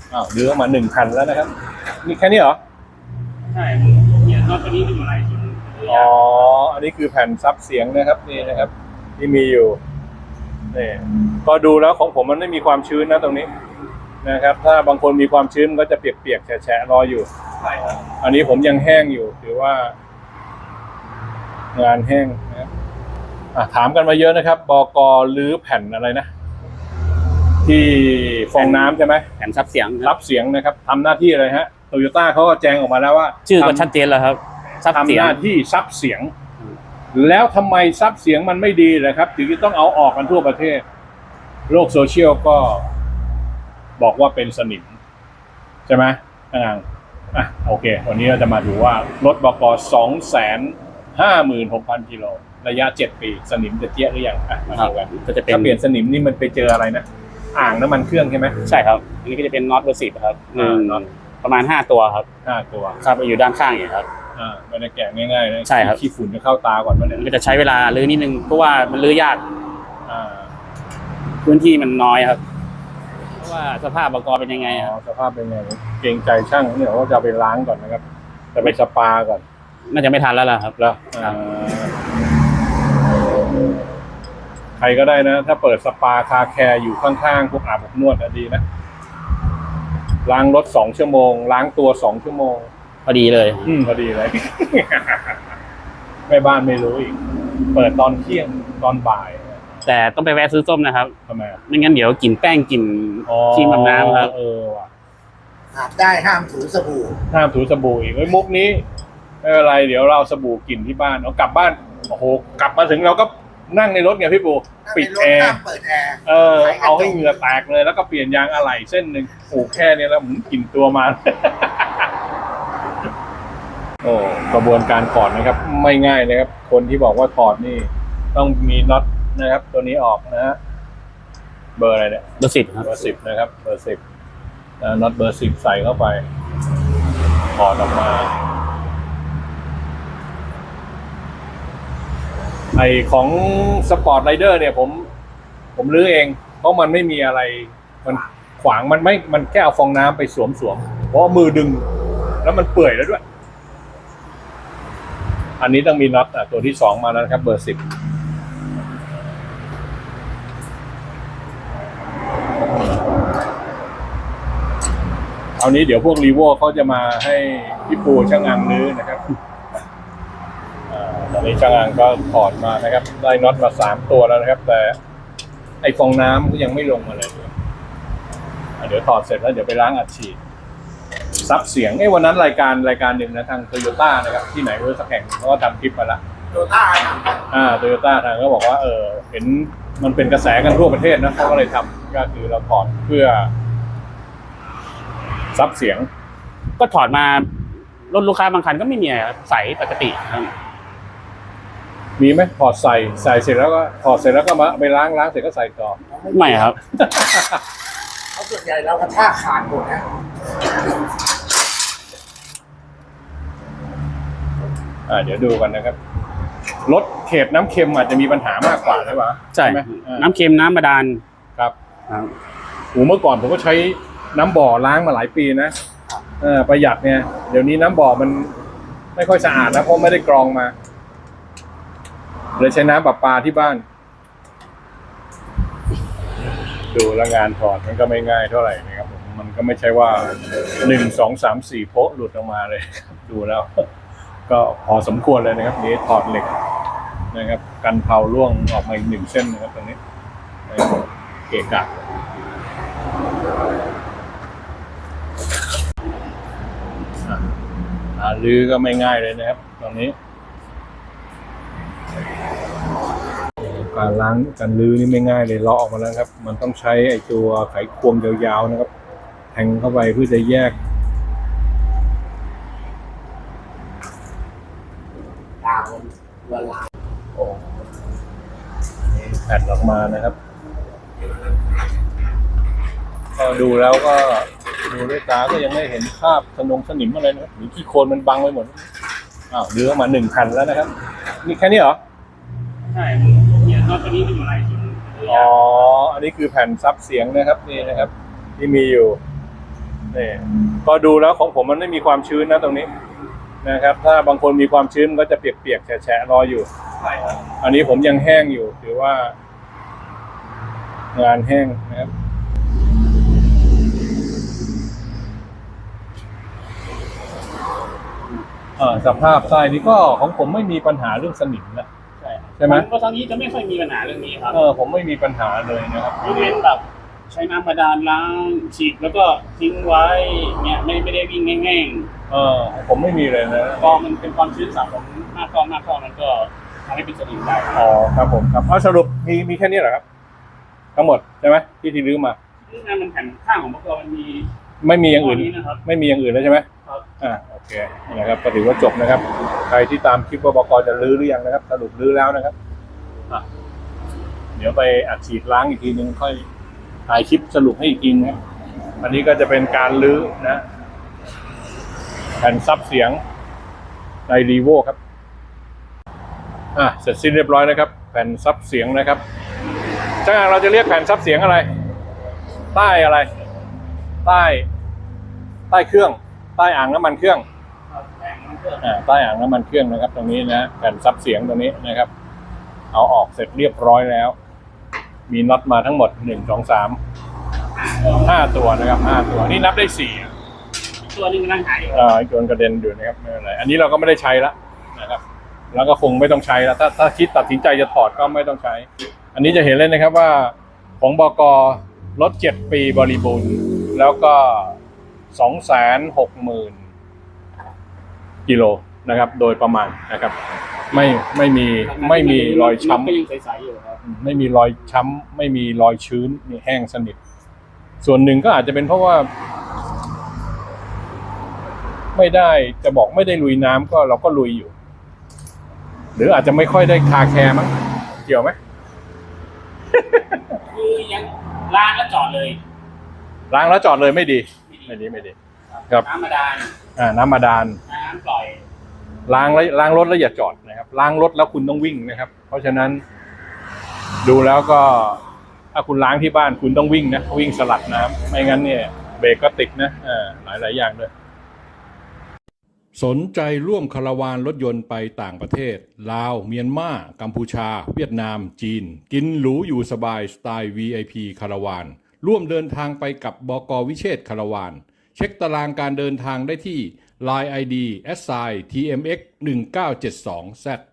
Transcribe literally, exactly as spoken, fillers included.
อ้าวดื้อมาหนึ่งคันแล้วนะครับนี่แค่นี้เหรอใช่เนี่ยนอกจากนี้มีหลายชิ้นอ๋ออันนี้คือแผ่นซับเสียงนะครับนี่นะครับ ที่มีอยู่นี่ก็ดูแล้วของผมมันไม่มีความชื้นนะตรงนี้นะครับถ้าบางคนมีความชื้นมันก็จะเปียกๆแฉะๆรออยู่ใช่ครับอันนี้ผมยังแห้งอยู่ถือว่างานแห้งนะครับถามกันมาเยอะนะครับบก.รื้อแผ่นอะไรนะที่ฟองน้ำใช่ไหมแผ่นซับเสียงซับเสียงนะครับทำหน้าที่อะไรฮะโตโยต้าเขาก็แจ้งออกมาแล้วว่าชื่อก็ชัดเจนแล้วครับทำหน้าที่ซับเสียงแล้วทำไมซับเสียงมันไม่ดีเลยครับถึงต้องเอาออกกันทั่วประเทศโลกโซเชียลก็บอกว่าเป็นสนิมใช่ไหมอ่าอ่ะโอเควันนี้เราจะมาดูว่ารถบก.สองแสนห้าหมื่นหกพันกิโลระยะเจ็ดปีสนิมจะเจี๊ยะหรือยังอ่ะมาดูกันก็จะเป็นถ้าเปลี่ยนสนิมนี่มันไปเจออะไรนะอ่างน้ำมันเครื่องใช่ไหมใช่ครับอันนี้ก็จะเป็นน็อตเบอร์สิบครับหนึ่งประมาณห้าตัวครับห้าตัวครับอยู่ด้านข้างอย่างครับอ่าไม่ได้แกะง่ายๆนะใช่ครับขี้ฝุ่นจะเข้าตาก่อนมันก็จะใช้เวลาลื้อนิดนึงเพราะว่ามันลื้อยากอ่าพื้นที่มันน้อยครับเพราะว่าสภาพบก.เป็นยังไงครับสภาพเป็นยังไงเกรงใจช่างเนี่ยว่าจะไปล้างก่อนนะครับจะไปสปาก่อนน่าจะไม่ทันแล้วล่ะครับแล้วใครก็ได้นะถ้าเปิดสปาคาแคร์อยู่ข้างๆพวกอาบอบนวดดีนะล้างรถสองชั่วโมงล้างตัวสองชั่วโมงพอดีเลยอืมพอดีเลยแม่บ้านไม่รู้อีกเปิดตอนเที่ยงตอนบ่ายแต่ต้องไปแวะซื้อส้มนะครับทำไมไม่งั้นเดี๋ยวกลิ่นแป้งกลิ่นที่มันน้ำครับเออว่ะอาบได้ห้ามถูสบู่ห้ามถูสบู่อีกไอ้มุกนี้ไม่เป็นไรเดี๋ยวเราสบู่กลิ่นที่บ้านเอากลับบ้านโอ้โหกลับมาถึงเราก็นั่งในรถไงพี่ปูปิดแอร์เออเอาให้เหงื่อแตกเลยแล้วก็เปลี่ยนยางอะไหล่เส้นหนึ่งโอ้แค่นี้แล้วหมุนกลิ่นตัวมาโอ้กระบวนการถอดนะครับไม่ง่ายนะครับคนที่บอกว่าถอดนี่ต้องมีน็อตนะครับตัวนี้ออกนะฮะเบอร์อะไรเนี่ยเบอร์สิบครับเบอร์สิบนะครับเบอร์สิบน็อตเบอร์สิบใส่เข้าไปถอดออกมาไอของสปอร์ตไรเดอร์เนี่ยผมผมรื้อเองเพราะมันไม่มีอะไรมันขวางมันไม่มันแค่เอาฟองน้ำไปสวมสวมเพราะมือดึงแล้วมันเปื่อยแล้วด้วยอันนี้ต้องมีน็อตอ่ะตัวที่สองมาแล้วนะครับเบอร์สิบเอานี้เดี๋ยวพวกรีโวเขาจะมาให้พี่ปูช่างงานรื้อนะครับตอนนี้ช่างงานก็ถอดมานะครับได้น็อตมาสามตัวแล้วนะครับแต่ไอฟองน้ำก็ยังไม่ลงมาเลยเดี๋ยวถอดเสร็จแล้วเดี๋ยวไปล้างอัดฉีดซับเสียงไอ้วันนั้นรายการรายการหนึ่งนะทางโตโยต้านะครับที่ไหนรู้สักแห่งเขาก็ทำคลิปมาละโตโยต้าอ่าโตโยต้าทางก็บอกว่าเออเห็นมันเป็นกระแสกันทั่วประเทศนะเขาก็เลยทำก็คือเราถอดเพื่อซับเสียงก็ถอดมารถลูกค้าบางคันก็ไม่มีใส่ปกติครับมีไหมถอดใส่ใส่เสร็จแล้วก็ถอดเสร็จแล้วก็มาไปล้างล้างเสร็จก็ใส่ต่อไม่ครับเขาส่วนใหญ่เรากระชากขาดหมดนะอ่าเดี๋ยวดูกันนะครับรถเขตน้ำเค็มอาจจะมีปัญหามากกว่าใช่ไหมใช่ไหมน้ำเค็มน้ำบาดาลครับโอ้เมื่อก่อนผมก็ใช้น้ำบ่อล้างมาหลายปีนะเออประหยัดเนี่ยเดี๋ยวนี้น้ำบ่อมันไม่ค่อยสะอาดนะเพราะไม่ได้กรองมาเลยใช้น้ำประปาที่บ้านดูแลงานถอดมันก็ไม่ง่ายเท่าไหร่นะครับมันก็ไม่ใช่ว่าหนึ่งสองสามสี่โป๊ะหลุดออกมาเลยดูแล้วก็พอสมควรเลยนะครับนี้ถอดเหล็กนะครับกันเผาร่วงออกมาอีกหนึ่งเส้นนะครับตรงนี้เกะกะลื้อก็ไม่ง่ายเลยนะครับตรงนี้การล้างการลื้อนี่ไม่ง่ายเลยเลาะออกมาแล้วครับมันต้องใช้ไอ้ตัวไขควงยาวๆนะครับแทงเข้าไปเพื่อจะแยกดาวละลายโอ้แผ่นออกมานะครับก็ดูแล้วก็ดูด้วยตาก็ยังไม่เห็นภาพสนงสนิมอะไรนะครับหรือขี้โคลนมันบังไว้หมดอ้าวลื้อมาหนึ่งคันแล้วนะครับนี่แค่นี้เหรอใช่เนี่ยนอกจากนี้มีหลายชิ้นอ๋ออันนี้คือแผ่นซับเสียงนะครับนี่นะครับที่มีอยู่นี่ก็ดูแล้วของผมมันไม่มีความชื้นนะตรงนี้นะครับ ถ้าบางคนมีความชื้นมันก็จะเปียกๆแฉะๆรออยู่ใช่ครับอันนี้ผมยังแห้งอยู่ถือว่า งานแห้งนะครับอ่าสภาพทรายนี้ก็ของผมไม่มีปัญหาเรื่องสนิมนะใช่ใช่ไหมก็ทางนี้จะไม่ค่อยมีปัญหาเรื่องนี้ครับเออผมไม่มีปัญหาเลยนะครับยกเว้นแบบใช้น้ำบาดาลล้างฉีดแล้วก็ทิ้งไว้เนี่ยไม่ไม่ได้วิ่งแง่งเออผมไม่มีเลยนะๆพอมันเป็นความชื้นสะสมมากเข้ามากเข้ามันก็ทำให้เป็นสนิมได้อ๋อครับผมครับเอาสรุปมีมีแค่นี้เหรอครับ ทั้งหมดใช่ไหมที่ที่รื้อมานี่งานมันแผ่นข้างของมันก็มันมีไม่มีอย่างอื่นข้นี้นะครับไม่มีอย่างอื่นแล้วใช่ไหมครับอ่าโอเคนะครับก็ถือว่าจบนะครับ ใครที่ตามคลิปว่าบกจะรื้อหรือยังนะครับ สรุปรื้อแล้วนะครับอ่ะเดี๋ยวไปอัดฉีดล้างอีกทีนึงค่อยถ่ายคลิปสรุปให้อีกทีนะครับอันนี้ก็จะเป็นการรื้อนะ แผ่นซับเสียงในรีโวครับอ่ะเสร็จสิ้นเรียบร้อยนะครับ แผ่นซับเสียงนะครับช่างเราจะเรียกแผ่นซับเสียงอะไร ใต้อะไร ใต้ ใต้เครื่อง ใต้อ่างน้ำมันเครื่องครับแผ่นมันก็อ่าใต้อ่างน้ำมันเครื่องนะครับ ตรงนี้นะแผ่นซับเสียงตรงนี้นะครับ เอาออกเสร็จเรียบร้อยแล้ว มีน็อตมาทั้งหมดหนึ่งสองสามห้าตัวนะครับห้าตัวนี่นับได้สี่ตัวนึงกำลังหายอยู่อ่าโดนกระเด็นอยู่นะครับไม่เป็นไรอันนี้เราก็ไม่ได้ใช้แล้วนะครับ แล้วก็คงไม่ต้องใช้แล้วถ้าถ้าคิดตัดสินใจจะถอดก็ไม่ต้องใช้ อันนี้จะเห็นเลยนะครับว่าของบกรถเจ็ดปีบริบูรณ์แล้วก็สองแสนหกหมื่นกิโลนะครับ โดยประมาณนะครับ ไม่ไม่มีไม่มีรอยช้ำก็ยังใสๆอยู่ครับไม่มีรอยช้ำไม่มีรอยชื้นนี่แห้งสนิทส่วนหนึ่งก็อาจจะเป็นเพราะว่า ไม่ได้จะบอกไม่ได้ลุยน้ำก็เราก็ลุยอยู่ หรืออาจจะไม่ค่อยได้คาแคร์มั้งเกี่ยวไหมคือยังล้างแล้วจอดเลยล้างแล้วจอดเลยไม่ดี ไม่ดีไม่ดี ครับน้ำบาดาลอ่าน้ำบาดาลน้ำปล่อยล้างแล้วล้างรถแล้วอย่าจอดนะครับล้างรถแล้วคุณต้องวิ่งนะครับ เพราะฉะนั้น ดูแล้วก็ถ้าคุณล้างที่บ้านคุณต้องวิ่งนะวิ่งสลัดน้ำไม่งั้นเนี่ยเบรกก็ติดนะอ่าหลายหลายอย่างด้วยสนใจร่วมคาราวานรถยนต์ไปต่างประเทศลาวเมียนมากัมพูชา เวียดนามจีนกินหรูอยู่สบายสไตล์ วี ไอ พี คาราวานร่วมเดินทางไปกับบก.วิเชษฐ์คาราวานเช็คตารางการเดินทางได้ที่ ไลน์ ไอ ดี แอท ไซน์ ที เอ็ม เอ็กซ์ หนึ่งเก้าเจ็ดสอง แซด